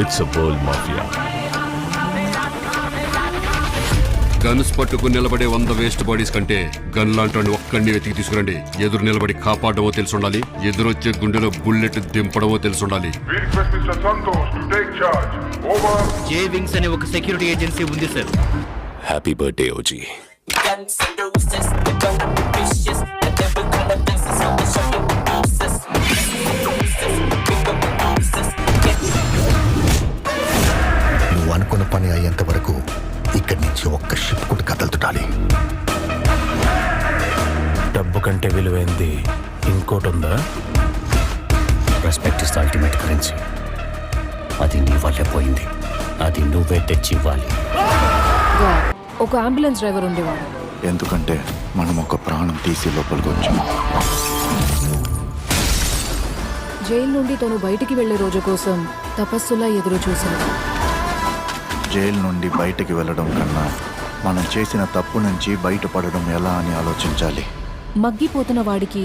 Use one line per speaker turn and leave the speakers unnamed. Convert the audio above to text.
It's a world mafia.
Guns పట్టుకుని నిలబడే 100 waste bodies కంటే గన్ లాంటి ఒక్కడిని వెతికి తీసుకురండి. ఎదురు నిలబడి కాపాడమో తెలుసుండాలి, ఎదురొచ్చే గుండెలో బుల్లెట్ దింపడమో తెలుసుండాలి.
జే వింగ్స్ అనే ఒక సెక్యూరిటీ ఏజెన్సీ ఉంది సార్.
Happy birthday OG.
నువ్వు అనుకున్న పని అయ్యేంత వరకు ఇక్కడి నుంచి ఒక్క షిప్ కూడా కదలుతుండాలి.
డబ్బు కంటే విలువైంది ఇంకోటి ఉందా?
Respect is ultimate currency. అది నీ వల్లే పోయింది, అది నువ్వే తెచ్చి ఇవ్వాలి.
ఒక అంబులెన్స్ డ్రైవర్ ఉండేవాడు.
ఎందుకంటే మనం ఒక ప్రాణం తీసి లోపలికి వచ్చాం.
జైలు నుండి తను బయటికి వెళ్లే రోజు కోసం తపస్సులా ఎదురు చూశాడు.
జైలు నుండి బయటికి వెళ్ళడం కన్నా మనం చేసిన తప్పు నుంచి బయటపడడం ఎలా అని ఆలోచించాలి.
మగ్గిపోతున్న వాడికి